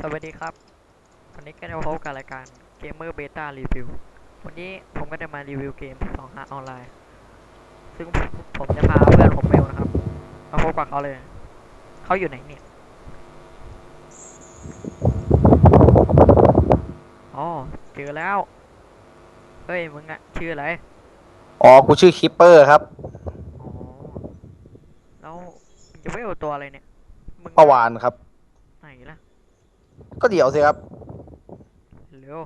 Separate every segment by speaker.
Speaker 1: สวัสดีครับวันนี้ก็จะมาพบกับรายการ Gamer Beta Review วันนี้ผมก็จะมารีวิวเกม2หาออนไลน์ซึ่งผมจะพาเพื่อนผมเมลนะครับมาพบกับเขาเลยเขาอยู่ไหนเนี่ยอ๋อเจอแล้วเฮ้ยมึงอะชื่ออะไร
Speaker 2: อ๋อกูชื่อคิปเปอร์ครับ
Speaker 1: อ๋อแล้วมึงจะเวลตัวอะไรเนี่ยมึง
Speaker 2: ประ
Speaker 1: ก็
Speaker 2: วานครับ
Speaker 1: ไหนล่ะ
Speaker 2: ก็เดี๋ยวสิครับ
Speaker 1: เร็ว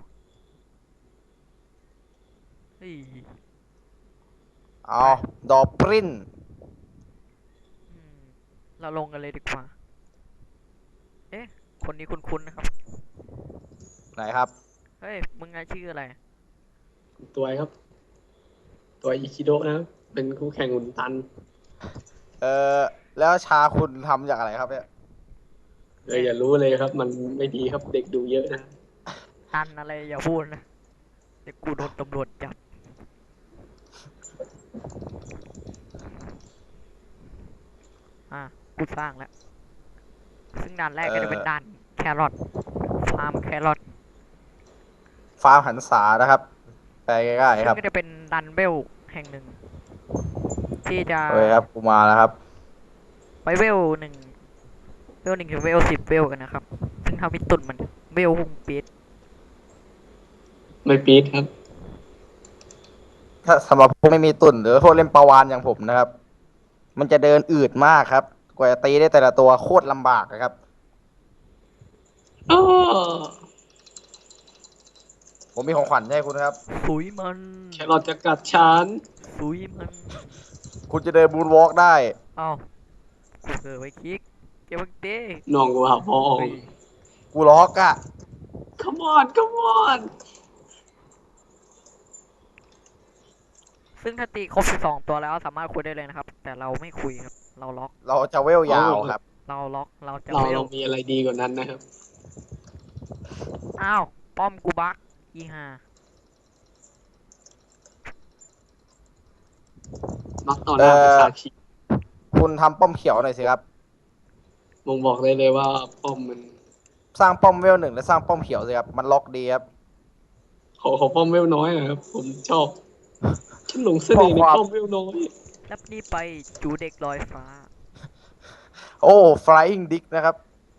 Speaker 1: เฮ้ย
Speaker 2: เอา
Speaker 1: ไป
Speaker 2: ดอปริน
Speaker 1: อืมเราลงกันเลยดีกว่าเอ๊ะคนนี้คุ้นๆนะครับ
Speaker 2: ไหนครับ
Speaker 1: เฮ้ยมึงอะชื่ออะไร
Speaker 3: ตัวครับตัวอิคิโดะนะครับเป็นคู่แข่งอุนตัน
Speaker 2: เออแล้วชาคุณทำจากอะไรครับเนี่ย
Speaker 1: เนี่ย
Speaker 3: อย่ารู้เลยครับมันไม่ดีครับเด็กดูเยอะนะ
Speaker 1: ตันอะไรอย่าพูดนะเดี๋ยวกูโดนตำรวจจับ อ่ะกูสร้างแล้วซึ่งด่านแรก
Speaker 2: เอ
Speaker 1: ก็จะเป็น
Speaker 2: อ
Speaker 1: ด่านแครอทฟาร์มแครอท
Speaker 2: ฟาร์มหันษานะครับไปง่ายๆครับ
Speaker 1: ซึ่งก็จะเป็นดันเบลแห่งหนึ่งที่จะ
Speaker 2: โอเคครับกูมาแล้วครับ
Speaker 1: ไปเวลหนึ่งเวลหนึ่งถึงเวล10เวลกันนะครับซึ่งทำให้ตุ่นมันเวลหุ่งปีด
Speaker 3: ไม่ปี๊ดครับ
Speaker 2: ถ้าสำหรับพวกไม่มีตุ่นหรือพวกเล่นประวานอย่างผมนะครับมันจะเดินอืดมากครับกว่าจะตีได้แต่ละตัวโคตรลำบากนะครับ
Speaker 3: อ้อ
Speaker 2: ผมมีของขวัญให้คุณครับ
Speaker 1: สุยมัน
Speaker 3: แครอทจะกัดฉัน
Speaker 1: สุยมัน
Speaker 2: คุณจะเดินบูนวอล์กได้
Speaker 1: เอ้ากูเกิดไว้คลิกเก็บบังเต้
Speaker 3: น้องกูหาพ่อ
Speaker 1: เฮ้ย
Speaker 2: กูล็อกอะ
Speaker 3: come on come on
Speaker 1: ซึ่งถ้าตีครบ12ตัวแล้วสามารถคุยได้เลยนะครับแต่เราไม่คุยครับเราล็อก
Speaker 2: เราจะเวล
Speaker 3: เอา
Speaker 2: ยาวครับ
Speaker 1: เราล็อกเราจะ
Speaker 3: เรา
Speaker 1: เวล
Speaker 3: เรามีอะไรดีกว่านั้นนะครับ
Speaker 1: อ้าวป้อมกูบักอีห่า
Speaker 3: มักต่อห
Speaker 2: เอ
Speaker 3: น้าประ
Speaker 2: อ
Speaker 3: ชาชน
Speaker 2: คุณทำป้อมเขียวหน่อยสิครับ
Speaker 3: มงบอกได้เลยว่าป้อมมัน
Speaker 2: สร้างป้อมเวลหนึ่งและสร้างป้อมเขียวสิครับมันล็อกดีครับ
Speaker 3: ขอป้อมเวลน้อยนะครับผมชอบฉันหลงเสน่ห์ใน
Speaker 2: ข้อความ
Speaker 3: ป้อมเวลน้อย
Speaker 1: รับนี่ไปจูเด็กลอยฟ้า
Speaker 2: โอ้ flying dick นะครับ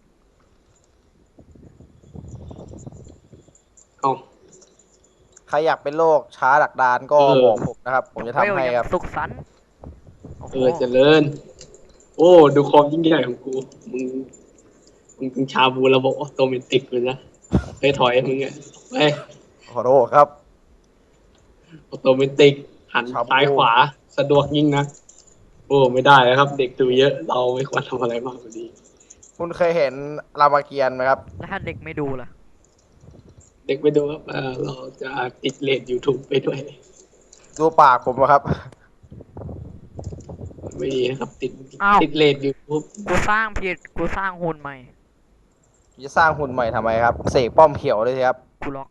Speaker 3: เอา
Speaker 2: ใครอยากเป็นโรคช้าดักดานก็
Speaker 3: เออ
Speaker 2: บอกผมนะครับผมจะทำให้ครับ
Speaker 1: สุขสันต์โอ้โห
Speaker 3: เจริญโอ้ดูความยิ่งใหญ่ของกูมึง มึงชาบูระบบออโตเมติกเลยนะไปถอยมึงอ่ะไป
Speaker 2: ขอโทษครับ
Speaker 3: ออโตเมติกหัน
Speaker 2: ชาบู
Speaker 3: ซ้ายขวาสะดวกยิ่งนะโอ้ไม่ได้นะครับ เด็กดูเยอะเราไม่ควรทำอะไรมากกว่านี้
Speaker 2: คุณเคยเห็นรามเกียรติ์ไหมครับ
Speaker 1: แล้วถ้าเด็กไม่ดูล่ะ
Speaker 3: เด็กไปดูครับเราจะติดเลท YouTube ไปด้วย
Speaker 2: ดูปากผมนะครับ
Speaker 3: ไม่ดีนะครับติด
Speaker 1: อ้าว
Speaker 3: ติดเลท YouTube
Speaker 1: กูสร้างผิดกูสร้างหุ่นใหม่
Speaker 2: จะสร้างหุ่นใหม่ทำไมครับเสกป้อมเขียวเลยสิครับ
Speaker 1: กูล็อก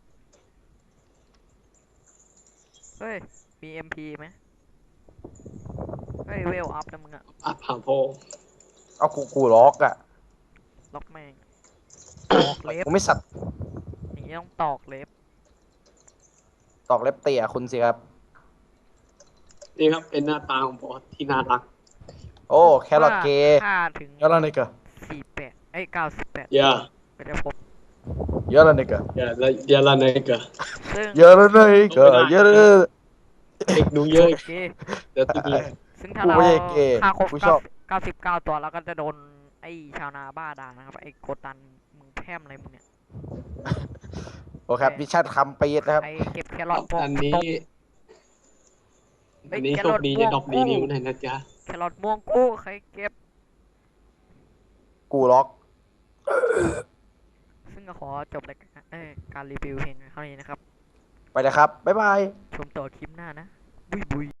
Speaker 1: เฮ้ยมีเอ็มพีไหมเฮ้ยเวลอัพนะมึงอะ
Speaker 3: อัพหาโพ
Speaker 2: เอากูล็อกอะ
Speaker 1: ล็อกแม่งตอกเล็บ
Speaker 2: กูไม่สัตว์
Speaker 1: อย่างนี้ต้องตอกเล็บ
Speaker 2: ตอกเล็บเตี่ยคุณสิครับ
Speaker 3: นี่ครับเป็นหน้าตาของบอสที่น่ารัก
Speaker 2: โอ้แครอ
Speaker 1: เมื่อ
Speaker 2: ทเกย์
Speaker 1: ค่าถึง
Speaker 2: เยอะแล้วนี่กะ
Speaker 1: 48เอ้ย98
Speaker 3: อย่า
Speaker 1: ก็จะพบ
Speaker 2: เยอะแล้วนี่กะ
Speaker 3: อย่าละเนกะ
Speaker 1: ซึ่ง
Speaker 2: เยอะแล้วนี่กะเยอะแล้ว
Speaker 3: เด็กดูเยอะ
Speaker 1: โอเค
Speaker 3: เดี๋ยวติดเลท
Speaker 1: ซึ่งถ้า
Speaker 2: กู
Speaker 1: เรา
Speaker 2: ไม่ใช่เกย์
Speaker 1: ฆ่าครบ
Speaker 2: กูชอบ
Speaker 1: 99ตัวเราก็จะโดนไอ้ชาวนาบ้าด่านะครับไอ้โกตันมึงแพร่มอะไรมึงเนี่ย
Speaker 2: โอเคครับมิชชั่นคำปีดนะครับ
Speaker 1: ใครเก็บแครอทพวก
Speaker 3: อันนี้อันนี้โชคดีจะดรอปดีนิ้วหน่อยนะจ๊ะ
Speaker 1: แครอทม่วงกู้ใครเก็บ
Speaker 2: กูล็อก
Speaker 1: ซึ่งก็ขอจบรายการการรีวิวเพียงเท่านี้นะครับ
Speaker 2: ไปนะครับบ๊ายบาย
Speaker 1: ชมต่อคลิปหน้านะบุยบุย